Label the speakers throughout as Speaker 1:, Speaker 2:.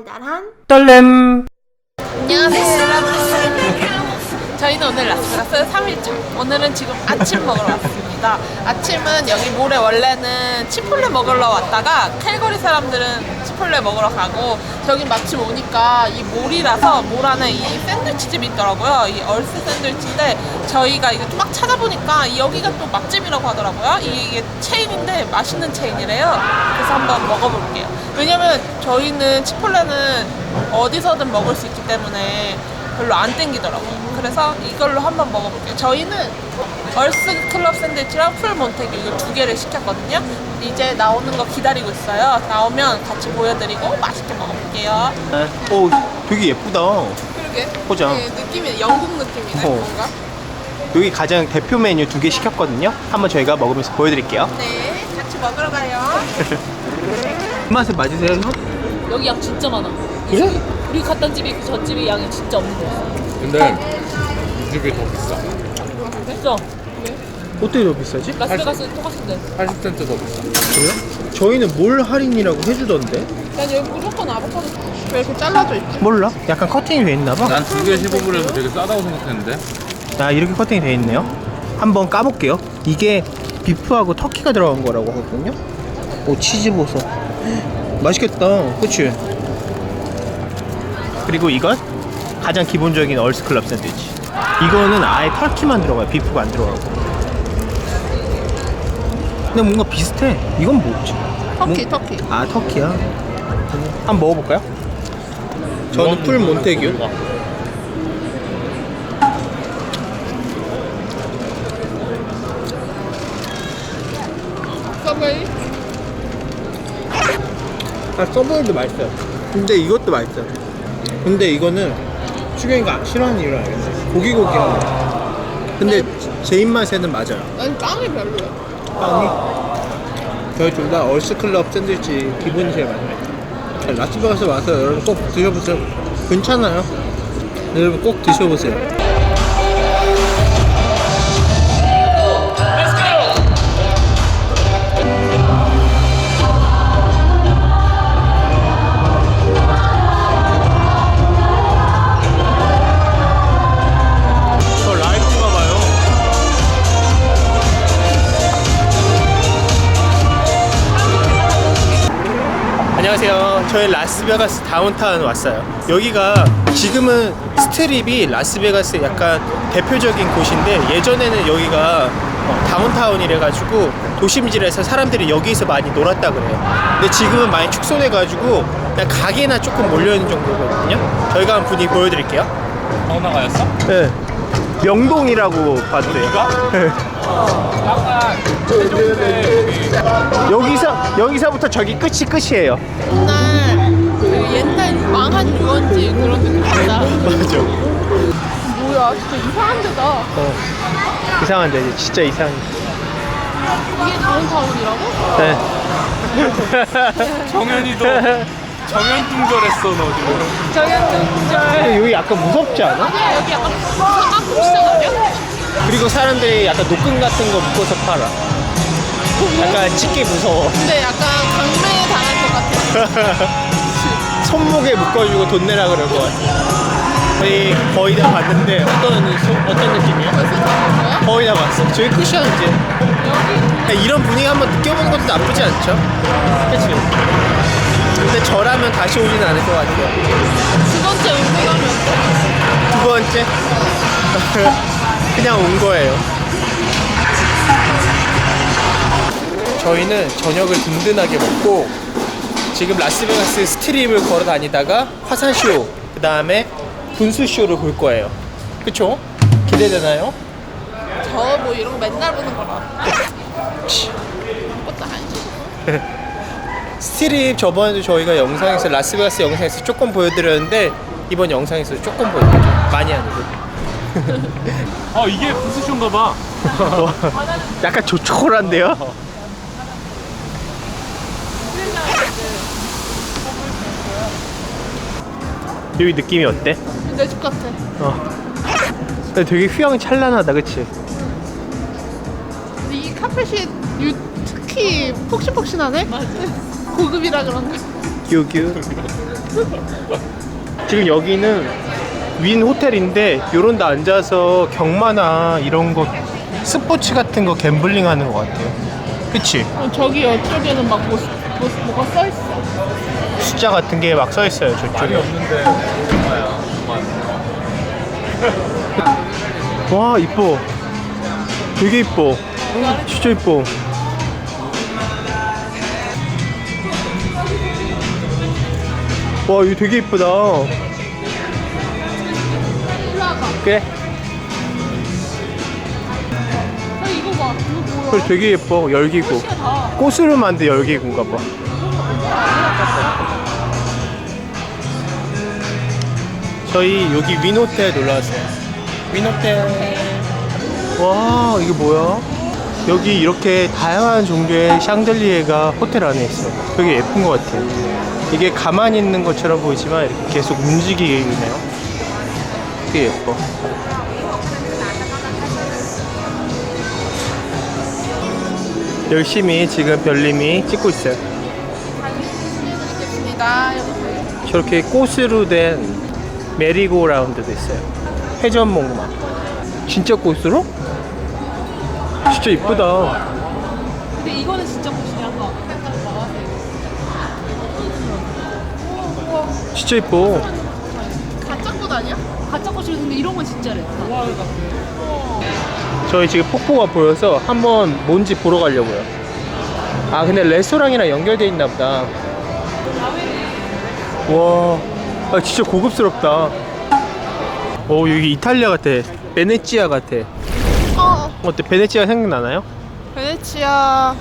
Speaker 1: 달달한
Speaker 2: 떨렘.
Speaker 3: 안녕하세요 여러분. 저희는 오늘 라스베가스 3일차. 오늘은 지금 아침 먹으러 왔습니다. 아침은 여기 몰에 원래는 치폴레 먹으러 왔다가 캘거리 사람들은 치폴레 먹으러 가고, 저기 마침 오니까 이 몰이라서 몰 안에 이 샌드위치 집이 있더라고요. 이 얼스 샌드위치인데 저희가 이거 막 찾아보니까 여기가 또 맛집이라고 하더라고요. 이게 체인인데 맛있는 체인이래요. 그래서 한번 먹어볼게요. 왜냐면 저희는 치폴레는 어디서든 먹을 수 있기 때문에 별로 안 땡기더라고요. 그래서 이걸로 한번 먹어볼게요. 저희는 얼스 클럽 샌드위치랑 풀 몬테규 이거 두 개를 시켰거든요. 이제 나오는 거 기다리고 있어요. 나오면 같이 보여드리고 맛있게 먹어볼게요.
Speaker 2: 오, 되게 예쁘다.
Speaker 3: 그러게.
Speaker 2: 보자.
Speaker 3: 네, 느낌이 영국 느낌이네. 뭔가.
Speaker 2: 여기 가장 대표 메뉴 두 개 시켰거든요. 한번 저희가 먹으면서 보여드릴게요.
Speaker 3: 네, 같이 먹으러 가요.
Speaker 2: 맛에 맞으세요?
Speaker 4: 여기 양 진짜 많아.
Speaker 2: 그래?
Speaker 4: 우리 갔던 집이 그 전집이 양이 진짜 없는 거야.
Speaker 5: 근데 이 집이 더 비싸.
Speaker 4: 진짜
Speaker 2: 어떻게 더 비싸지?
Speaker 4: 라스베가스 똑같은데.
Speaker 5: 80센트 더 비싸.
Speaker 2: 그래요? 저희는 몰 할인이라고 해주던데.
Speaker 3: 난 여기 무조건 아보카도 왜 이렇게 잘라져 있지?
Speaker 2: 몰라? 약간 커팅이 돼 있나봐.
Speaker 5: 난 두 개 15불에서 되게 싸다고 생각했는데.
Speaker 2: 아, 이렇게 커팅이 돼 있네요. 한번 까볼게요. 이게 비프하고 터키가 들어간 거라고 하거든요. 오, 치즈 버섯. 맛있겠다. 그치? 그리고 이건 가장 기본적인 얼스클럽 샌드위치. 이거는 아예 터키만 들어가요. 비프가 안 들어가고. 근데 뭔가 비슷해. 이건 뭐지?
Speaker 3: 터키.
Speaker 2: 아, 터키야. 한번 먹어볼까요? 저는 풀 몬테규.
Speaker 3: 서브웨이?
Speaker 2: 아, 서브웨이도 맛있어요. 근데 이것도 맛있어요. 근데 이거는 수경이가 싫어하는 이유를 알겠네. 고기고기한 거. 근데 제 입맛에는 맞아요.
Speaker 3: 난 빵이 별로야.
Speaker 2: 빵이. 저희 둘 다 얼스클럽 샌드위치 기분이 제일 많아요. 라스베가스 와서 여러분 꼭 드셔보세요. 괜찮아요. 여러분 꼭 드셔보세요. 안녕하세요. 저희 라스베가스 다운타운 왔어요. 여기가 지금은 스트립이 라스베가스의 약간 대표적인 곳인데, 예전에는 여기가 다운타운이래가지고 도심지에서 사람들이 여기서 많이 놀았다 그래요. 근데 지금은 많이 축소돼가지고 그냥 가게나 조금 몰려있는 정도거든요. 저희가 한번 분위기 보여드릴게요.
Speaker 5: 사우나가였어?
Speaker 2: 네. 명동이라고 봐도 돼요. 네.
Speaker 5: 약간 세종대
Speaker 2: 여기서부터 저기 끝이에요.
Speaker 3: 옛날 망한 유원지 그런 느낌이다.
Speaker 2: 맞아.
Speaker 3: 뭐야, 진짜 이상한 데다.
Speaker 2: 이상한데, 진짜 이상해.
Speaker 3: 이게 다운타운이라고?
Speaker 2: 네.
Speaker 5: 정현이도 정현뚱절했어 너 지금.
Speaker 3: 정현동절.
Speaker 2: 여기 약간 무섭지 않아?
Speaker 3: 여기 약간 상암동 시장 아니야?
Speaker 2: 그리고 사람들이 약간 노끈 같은 거 묶어서 팔아. 약간 찍기 무서워.
Speaker 3: 근데 약간 강매 당할 것 같아.
Speaker 2: 손목에 묶어주고 돈 내라 그럴 것 같아. 저희 거의 다 봤는데 어떤 느낌이야?
Speaker 3: 거야?
Speaker 2: 거의 다 봤어. 저희 끝이야 이제. 그냥 이런 분위기 한번 느껴보는 것도 나쁘지 않죠? 그치? 근데 저라면 다시 오진 않을 것 같아요.
Speaker 3: 두 번째 운동하면
Speaker 2: 두 번째? 그냥 온 거예요. 저희는 저녁을 든든하게 먹고 지금 라스베가스 스트립을 걸어 다니다가 화산쇼, 그 다음에 분수쇼를 볼 거예요. 그쵸? 기대되나요?
Speaker 3: 저 뭐 이런 거 맨날 보는 거라. 그것도 아니지.
Speaker 2: 스트립 저번에도 저희가 영상에서 라스베가스 영상에서 조금 보여드렸는데 이번 영상에서 조금 보여드릴게요. 많이 아니고.
Speaker 5: 이게 부스쇼인가 봐.
Speaker 2: 약간 조촐한데요? 여기 느낌이 어때?
Speaker 3: 내 집 같아.
Speaker 2: 근데 되게 휘황찬란하다, 그치?
Speaker 3: 근데 이 카펫이 특히 폭신폭신하네? 맞아. 고급이라 그런가?
Speaker 2: 규규. 지금 여기는 윈 호텔인데 요런 데 앉아서 경마나 이런 거 스포츠 같은 거 갬블링 하는 것 같아요. 그치?
Speaker 3: 저기 이쪽에는 막 뭐가 써있어.
Speaker 2: 숫자 같은 게 막 써 있어요
Speaker 5: 말이
Speaker 2: 저쪽에.
Speaker 5: 없는데 얼마야?
Speaker 2: 와 이뻐. 되게 이뻐. 진짜 이뻐. 와 이거 되게 이쁘다. 그래.
Speaker 3: 이거 봐. 이거 뭐야?
Speaker 2: 그래 되게 예뻐. 열기구. 꽃으로 만든 열기구인가 봐. 저희 여기 윈호텔 놀러 왔어요. 윈호텔. 와 이게 뭐야? 여기 이렇게 다양한 종류의 샹들리에가 호텔 안에 있어. 되게 예쁜 것 같아요. 이게 가만히 있는 것처럼 보이지만 이렇게 계속 움직이게 있네요. 되게 예뻐. 열심히 지금 별님이 찍고 있어요. 저렇게 꽃으로 된 메리고라운드도 있어요. 회전목마. 진짜 꽃으로? 진짜 이쁘다.
Speaker 4: 근데 이거는 진짜 멋있냐 한 거.
Speaker 2: 진짜 이뻐.
Speaker 3: 가짜 꽃 아니야?
Speaker 4: 가짜 꽃이 근데 이런 건 진짜래.
Speaker 2: 저희 지금 폭포가 보여서 한번 뭔지 보러 가려고요. 아 근데 레스토랑이랑 연결돼 있나 보다. 와, 아, 진짜 고급스럽다. 오 여기 이탈리아 같아. 베네치아 같아. 어때? 베네치아 생각나나요?
Speaker 3: 베네치아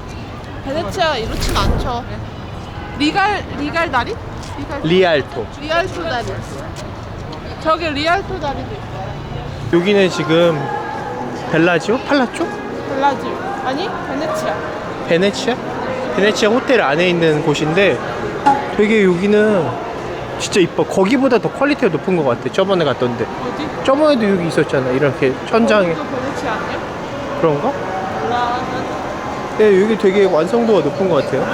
Speaker 3: 이렇진 않죠. 리갈 다리?
Speaker 2: 리알토.
Speaker 3: 리알토 다리. 저기 리알토 다리도 있어.
Speaker 2: 여기는 지금 벨라지오? 팔라초?
Speaker 3: 벨라지오. 아니 베네치아.
Speaker 2: 베네치아? 베네치아 호텔 안에 있는 곳인데 되게 여기는 진짜 이뻐. 거기보다 더 퀄리티가 높은 것 같아. 저번에 갔던데.
Speaker 3: 어디?
Speaker 2: 저번에도 여기 있었잖아. 이렇게 천장에.
Speaker 3: 이거 베네치아 아니야?
Speaker 2: 그런가?
Speaker 3: 몰라.
Speaker 2: 네, 여기 되게 완성도가 높은 것 같아요.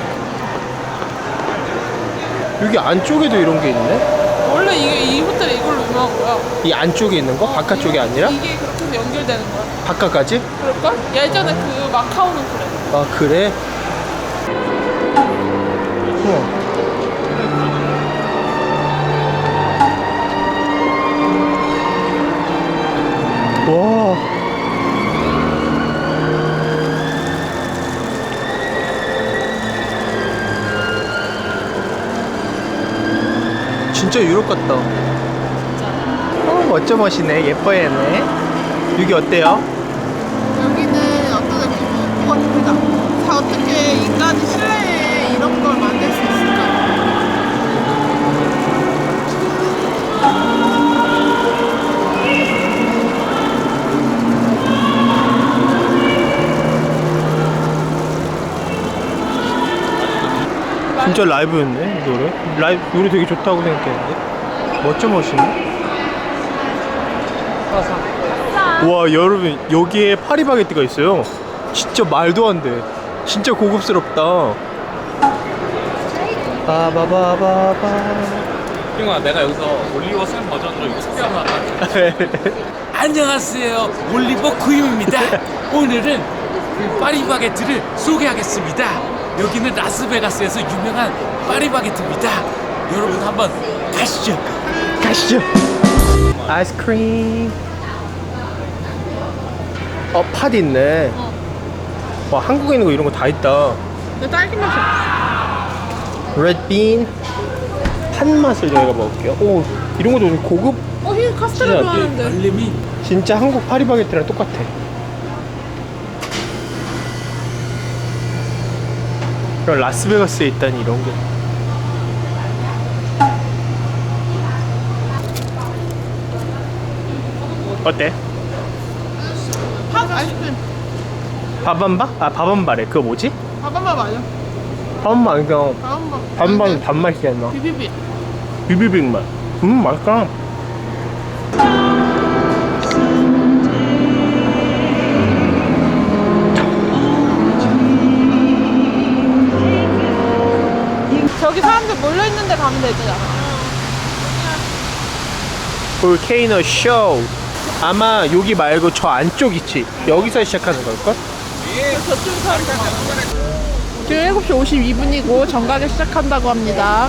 Speaker 2: 여기 안쪽에도 이런 게 있네?
Speaker 3: 원래 이 호텔이 이걸로 유명한 거야.
Speaker 2: 이 안쪽에 있는 거? 바깥쪽이 아니라?
Speaker 3: 이게 그렇게 해서 연결되는 거야.
Speaker 2: 바깥까지?
Speaker 3: 그럴걸? 예전에 그 마카오는 그래.
Speaker 2: 아, 그래? 우와. 와. 진짜 유럽 같다. 멋져 멋이네. 예뻐 얘네. 여기 어때요?
Speaker 3: 여기는 어떤 느낌이 같습니다. 자, 어떻게 인간이 실내에 이런 걸 만들 수 있을까?
Speaker 2: 진짜 라이브였네 노래. 노래 되게 좋다고 생각했는데. 멋져 멋이네. 와 여러분 여기에 파리바게뜨가 있어요. 진짜 말도 안 돼. 진짜 고급스럽다. 바바바바바.
Speaker 5: 형아 내가 여기서 올리버 쌤 버전으로 이거 소개하러 왔다.
Speaker 1: 안녕하세요. 올리버 구임입니다. 오늘은 파리바게트를 소개하겠습니다. 여기는 라스베가스에서 유명한 파리바게트입니다. 여러분 한번 가시죠.
Speaker 2: 가시죠. 아이스크림. 팥 있네. 와 한국에 있는 거 이런 거 다 있다.
Speaker 3: 근데 딸기 맛이 없어.
Speaker 2: 레드빈. 팥 맛을 저희가 먹을게요. 오 이런 것도 좀 고급.
Speaker 3: 히 카스테라
Speaker 2: 진짜
Speaker 3: 좋아하는데.
Speaker 1: 알림이
Speaker 2: 진짜 한국 파리바게트랑 똑같아. 그럼 라스베가스에 있다니 이런 게. 어때?
Speaker 3: 팥 아이스크림.
Speaker 2: 밥한바? 아 밥한바래. 그거 뭐지?
Speaker 3: 밥한바 맞아.
Speaker 2: 밥한바 그냥
Speaker 3: 밥한바.
Speaker 2: 밥한바는 단맛이잖아.
Speaker 3: 비비비.
Speaker 2: 비비빅 맛. 맛있다.
Speaker 3: 저기 사람들 몰려 있는데 가면
Speaker 2: 볼케이노 쇼. 아마 여기 말고 저 안쪽 있지. 여기서 시작하는 걸걸?
Speaker 3: 지금 7시 52분이고 정각에 시작한다고 합니다.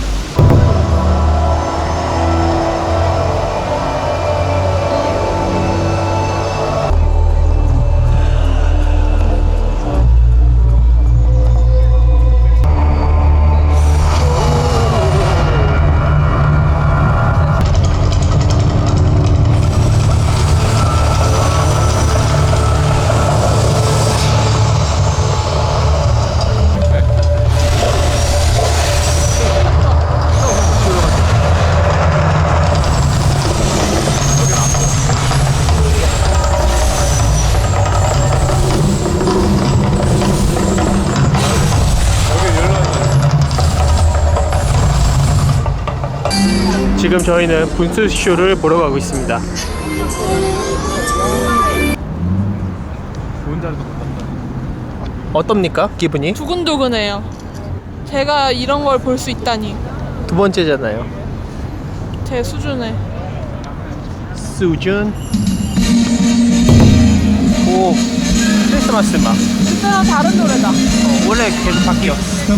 Speaker 2: 지금 저희는 분수쇼를 보러 가고 있습니다. 어떻습니까? 기분이?
Speaker 3: 두근두근해요. 제가 이런 걸 볼 수 있다니.
Speaker 2: 두 번째잖아요.
Speaker 3: 제 수준에.
Speaker 2: 수준. 오, 크리스마스 음악.
Speaker 3: 진짜 다른 노래다.
Speaker 2: 원래 계속 바뀌어.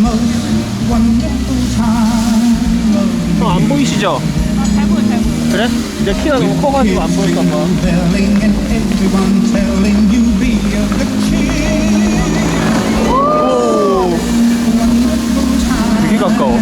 Speaker 2: 안 보이시죠?
Speaker 3: 잘 보여, 잘 보여.
Speaker 2: 그래? 이제 키가 너무 커가지고 안 보일까봐. 오, 되게 가까워.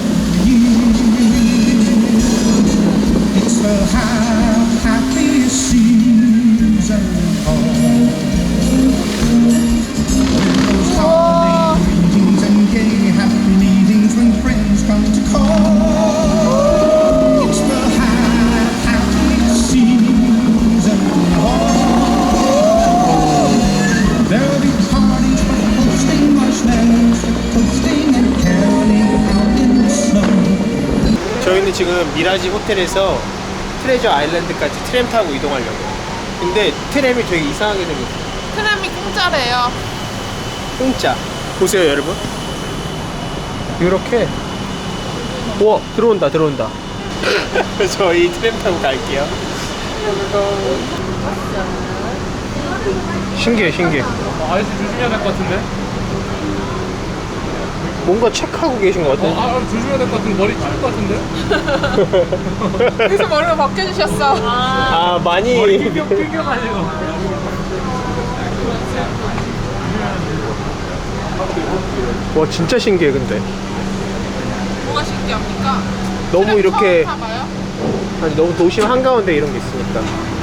Speaker 2: 저희는 지금 미라지 호텔에서 트레저 아일랜드까지 트램 타고 이동하려고요. 근데 트램이 되게 이상하게 생겼어요.
Speaker 3: 트램이 공짜래요.
Speaker 2: 공짜. 보세요 여러분. 이렇게. 우와, 들어온다 들어온다. 저희 트램 타고 갈게요. 신기해 신기해.
Speaker 5: 아저씨 조심해야 될 것 같은데?
Speaker 2: 뭔가 체크하고 계신 것 같아.
Speaker 5: 조심해야 될 것 같은데 머리 찔릴 것 같은데?
Speaker 3: 그래서 머리를 벗겨주셨어.
Speaker 2: 아 많이.
Speaker 5: 낑겨가지고.
Speaker 2: 와 진짜 신기해 근데.
Speaker 3: 뭐가 신기합니까?
Speaker 2: 너무
Speaker 3: 트램
Speaker 2: 이렇게
Speaker 3: 처음 타봐요?
Speaker 2: 아니 너무 도심 한가운데 이런 게 있으니까.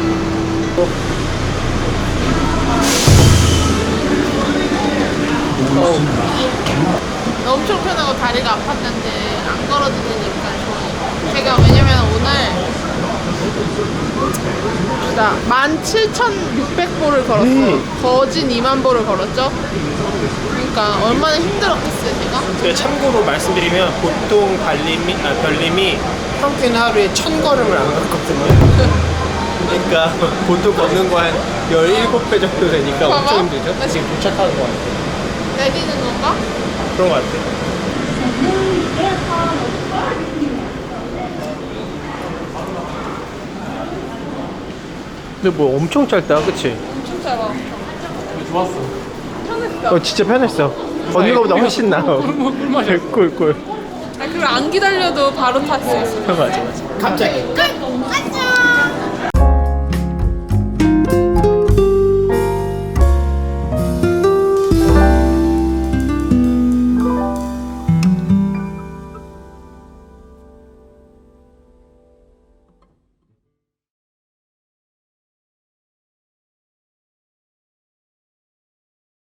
Speaker 3: 엄청 편하고 다리가 아팠는데 안 걸어도 되니까 좋아요. 제가 왜냐면 오늘 17,600보를 걸었어요. 거진 2만 보를 걸었죠. 그러니까 얼마나 힘들었겠어요 제가.
Speaker 2: 제가 참고로 말씀드리면 보통 별님이 평균 하루에 1000걸음을 안 걷거든요. 그러니까 보통 걷는 거 한 17배 정도 되니까
Speaker 3: 봐봐.
Speaker 2: 엄청 힘들죠? 지금 도착하는 거 같아요.
Speaker 3: 내리는 건가?
Speaker 2: 그런 거 같아요. 근데 뭐 엄청 짧다, 그치?
Speaker 3: 엄청 짧아.
Speaker 5: 좋았어.
Speaker 3: 편했어.
Speaker 2: 진짜 편했어. 언니가 보다 훨씬 나아.
Speaker 5: 꿀맛이야.
Speaker 2: 꿀꿀.
Speaker 3: 그리고 안 기다려도 바로 탈 수 있어.
Speaker 2: 맞아 맞아. 갑자기.
Speaker 3: 안녕.